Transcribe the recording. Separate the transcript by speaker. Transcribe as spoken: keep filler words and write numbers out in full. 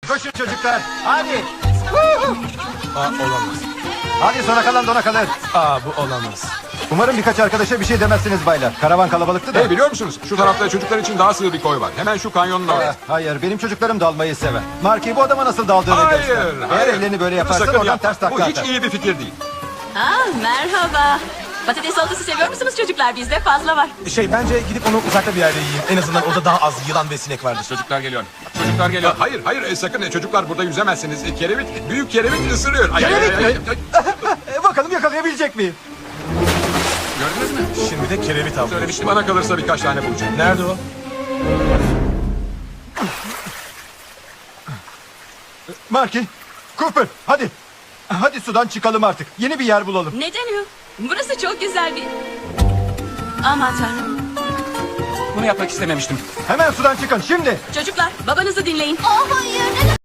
Speaker 1: Koşun çocuklar. Hadi.
Speaker 2: Aa, olamaz.
Speaker 1: Hadi sona kalan dona kalır.
Speaker 2: Aa, bu olamaz.
Speaker 1: Umarım birkaç arkadaşa bir şey demezsiniz baylar. Karavan kalabalıktı da.
Speaker 3: Hey, biliyor musunuz? Şu tarafta çocuklar için daha sığ bir koy var. Hemen şu kanyonun
Speaker 1: Aa,
Speaker 3: orada.
Speaker 1: hayır, benim çocuklarım dalmayı sever. Marky bu adama nasıl daldığını
Speaker 3: Hayır,
Speaker 1: göster. Eğer
Speaker 3: hayır.
Speaker 1: ellerini böyle
Speaker 3: Bunu
Speaker 1: yaparsan
Speaker 3: sakın
Speaker 1: oradan
Speaker 3: yapma.
Speaker 1: ters takla
Speaker 3: Bu hiç
Speaker 1: atar.
Speaker 3: iyi bir fikir değil.
Speaker 4: Aa, merhaba. Patates salatası seviyor musunuz çocuklar? Bizde fazla var.
Speaker 2: Şey, bence gidip onu uzakta bir yerde yiyeyim. En azından orada daha az yılan ve sinek vardır.
Speaker 3: Çocuklar geliyor. Çocuklar geliyor. Hayır, hayır, e, sakın e, çocuklar burada yüzemezsiniz. E, kerevit, büyük kerevit ısırıyor. Ay,
Speaker 1: Kerevit
Speaker 3: ay, ay,
Speaker 1: mi?
Speaker 3: ay, ay.
Speaker 1: E, bakalım yakalayabilecek miyim?
Speaker 3: Gördünüz mü?
Speaker 2: Şimdi de kerevit avlıyor.
Speaker 3: Söylemiştim, bana kalırsa birkaç tane bulacağım.
Speaker 2: Nerede o?
Speaker 1: Marky, Cooper hadi. Hadi sudan çıkalım artık. Yeni bir yer bulalım.
Speaker 4: Neden o? Burası çok güzel bir... Aman tanrım.
Speaker 3: Bunu yapmak istememiştim.
Speaker 1: Hemen sudan çıkın şimdi.
Speaker 4: Çocuklar, babanızı dinleyin.
Speaker 5: Oh hayır, neden?